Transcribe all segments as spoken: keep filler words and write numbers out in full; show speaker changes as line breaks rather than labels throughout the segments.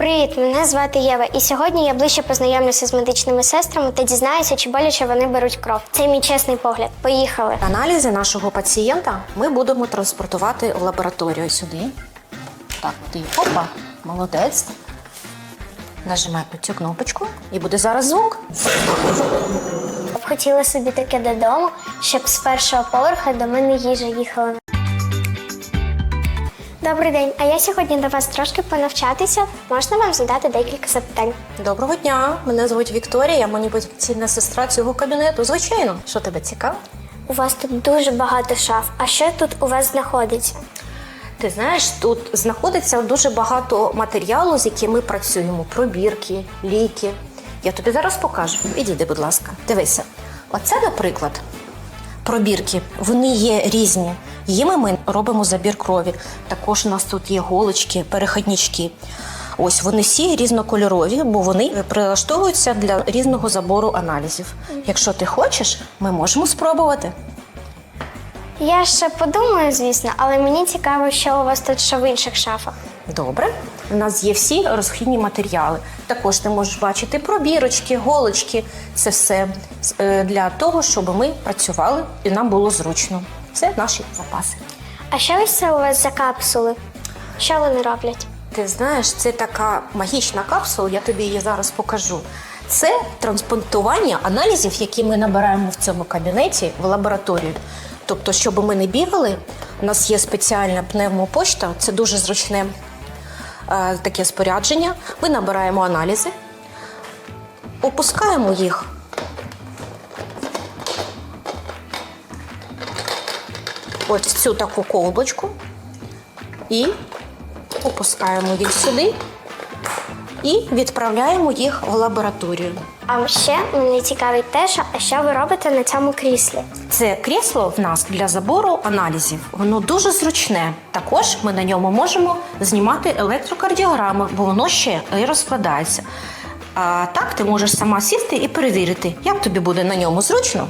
Привіт, мене звати Єва, і сьогодні я ближче познайомлюся з медичними сестрами та дізнаюся, чи боляче вони беруть кров. Це мій чесний погляд. Поїхали!
Аналізи нашого пацієнта ми будемо транспортувати в лабораторію сюди. Так, ти, опа, молодець. Нажимай на цю кнопочку і буде зараз звук.
Я б хотіла собі таке додому, щоб з першого поверха до мене їжа їхала. Добрий день, а я сьогодні до вас трошки понавчатися. Можна вам задати декілька запитань?
Доброго дня, мене звуть Вікторія, я маніпуляційна сестра цього кабінету. Звичайно, що тебе цікаво?
У вас тут дуже багато шаф. А що тут у вас знаходиться?
Ти знаєш, тут знаходиться дуже багато матеріалу, з яким ми працюємо. Пробірки, ліки. Я тобі зараз покажу. Підійди, будь ласка. Дивися. Оце, наприклад, пробірки. Вони є різні. Їми ми робимо забір крові. Також у нас тут є голочки, перехіднички. Ось вони всі різнокольорові, бо вони прилаштовуються для різного забору аналізів. Якщо ти хочеш, ми можемо спробувати.
Я ще подумаю, звісно, але мені цікаво, що у вас тут ще в інших шафах.
Добре. У нас є всі розхідні матеріали. Також ти можеш бачити пробірочки, голочки. Це все для того, щоб ми працювали і нам було зручно. Це наші запаси.
А що ось це у вас за капсули? Що вони роблять?
Ти знаєш, це така магічна капсула, я тобі її зараз покажу. Це транспортування аналізів, які ми набираємо в цьому кабінеті в лабораторію. Тобто, щоб ми не бігали, у нас є спеціальна пневмопочта, це дуже зручне е, таке спорядження. Ми набираємо аналізи, опускаємо їх ось в цю таку колбочку і опускаємо їх сюди і відправляємо їх в лабораторію.
А ще мене цікавить те, що, а що ви робите на цьому кріслі?
Це крісло в нас для забору аналізів. Воно дуже зручне. Також ми на ньому можемо знімати електрокардіограми, бо воно ще і розкладається. А так ти можеш сама сісти і перевірити, як тобі буде на ньому зручно.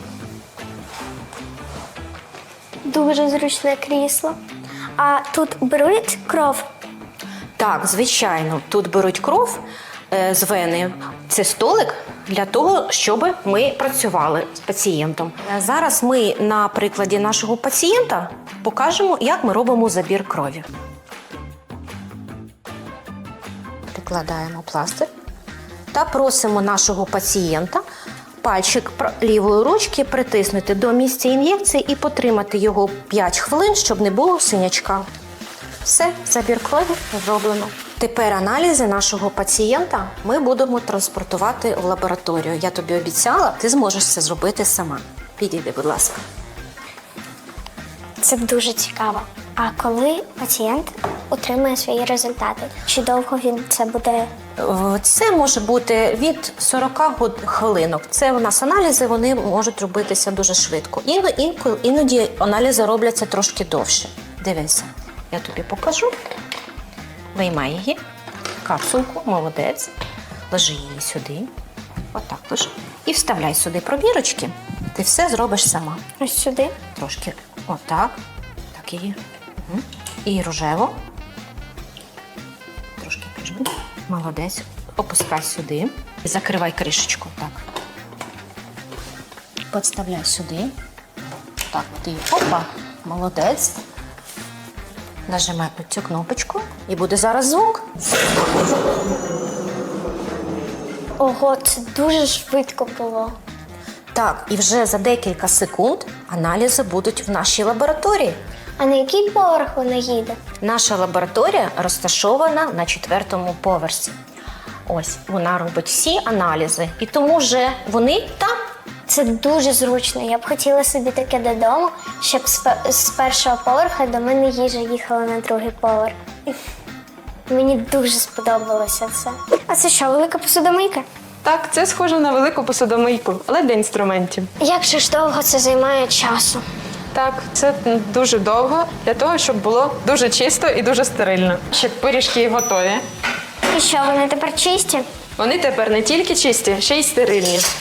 Дуже зручне крісло. А тут беруть кров?
Так, звичайно, тут беруть кров е, з вени. Це столик для того, щоб ми працювали з пацієнтом. Зараз ми на прикладі нашого пацієнта покажемо, як ми робимо забір крові. Прикладаємо пластир та просимо нашого пацієнта пальчик лівої ручки притиснути до місця ін'єкції і потримати його п'ять хвилин, щоб не було синячка. Все, забір крові зроблено. Тепер аналізи нашого пацієнта ми будемо транспортувати в лабораторію. Я тобі обіцяла, ти зможеш це зробити сама. Підійди, будь ласка.
Це дуже цікаво. А коли пацієнт отримає свої результати? Чи довго він це буде?
Це може бути від сорока хвилинок. Це у нас аналізи, вони можуть робитися дуже швидко. Іноді, іноді аналізи робляться трошки довше. Дивися, я тобі покажу. Виймай її, капсулку, молодець. Ложи її сюди. Отак ложи. І вставляй сюди пробірочки. Ти все зробиш сама.
Ось сюди?
Трошки отак. Так її. Угу. І рожево. Трошки піджми. Молодець. Опускай сюди. Закривай кришечку. Так. Підставляй сюди. Так, ти. Опа. Молодець. Нажимай на цю кнопочку і буде зараз звук.
Ого, це дуже швидко було.
Так, і вже за декілька секунд аналізи будуть в нашій лабораторії.
А на який поверх вона їде?
Наша лабораторія розташована на четвертому поверсі. Ось, вона робить всі аналізи, і тому вже вони там.
Це дуже зручно. Я б хотіла собі таке додому, щоб з першого поверха до мене їжа їхала на другий поверх. Мені дуже сподобалося це. А це що, велика посудомийка?
Так, це схоже на велику посудомийку, але для інструментів.
Як же ж довго це займає часу?
Так, це дуже довго, для того, щоб було дуже чисто і дуже стерильно. Щоб пиріжки готові.
І що, вони тепер чисті?
Вони тепер не тільки чисті, ще й стерильні.